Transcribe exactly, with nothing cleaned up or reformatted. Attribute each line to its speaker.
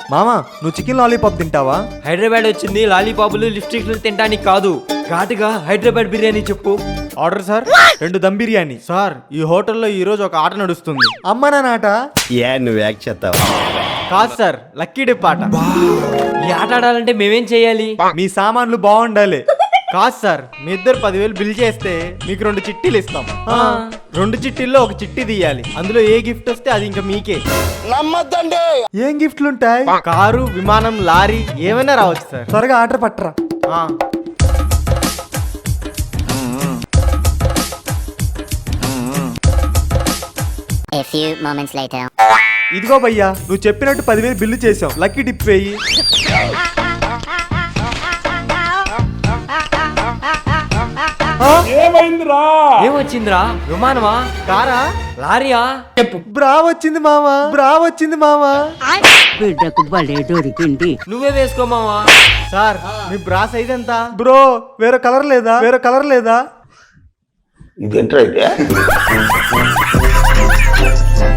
Speaker 1: మామా నువ్వు chicken lollipop తింటావా?
Speaker 2: హైదరాబాద్ వచ్చింది లాలీపాపులు లిప్స్టిక్లు తినడానికి కాదు. ఘాటుగా హైదరాబాద్ బిర్యానీ చెప్పు.
Speaker 1: Order sir. రెండు దమ్ బిర్యానీ
Speaker 3: సార్. ఈ హోటల్లో ఈ రోజు ఒక ఆట నడుస్తుంది.
Speaker 1: అమ్మ నా నాట.
Speaker 4: ఏ నువ్వు యాక్ చేస్తావా?
Speaker 3: కాదు సార్, లక్కీ డిప్ ఆట.
Speaker 2: ఈ ఆట ఆడాలంటే మేమేం చేయాలి?
Speaker 1: మీ సామాన్లు బాగుండాలి.
Speaker 3: కాదు సార్, మీ ఇద్దరు పదివేలు బిల్ చేస్తే మీకు రెండు చిట్టీలు ఇస్తాం.
Speaker 2: ఆ.
Speaker 3: రెండు చిట్టీల్లో ఒక చిట్టి తీయాలి. అందులో ఏ గిఫ్ట్ వస్తే అది ఇంకా మీకే.
Speaker 1: ఏం గిఫ్ట్లు ఉంటాయి?
Speaker 3: కారు, విమానం, లారీ ఏమైనా రావచ్చు సార్.
Speaker 1: త్వరగా ఆర్డర్ పట్టరా.
Speaker 3: ఆ.
Speaker 5: A few moments later.
Speaker 1: ఇదిగో భయ్యా, నువ్వు చెప్పినట్టు పదివేలు బిల్లు చేసాం. లక్కీ టిప్ వేయి.
Speaker 2: ఏమొచ్చిందిరా? విమానమా?
Speaker 3: కారా?
Speaker 2: లారీయా?
Speaker 1: బ్రా వచ్చింది మామా, బ్రా వచ్చింది మామా.
Speaker 6: బిడ్డకు భలే దొరికింది.
Speaker 2: నువ్వే వేసుకోమావా.
Speaker 3: సార్, మీ బ్రా సైజ్ ఎంత?
Speaker 1: బ్రో వేరే కలర్ లేదా? వేరే కలర్ లేదా?
Speaker 4: ఇదేంట్రా అయితే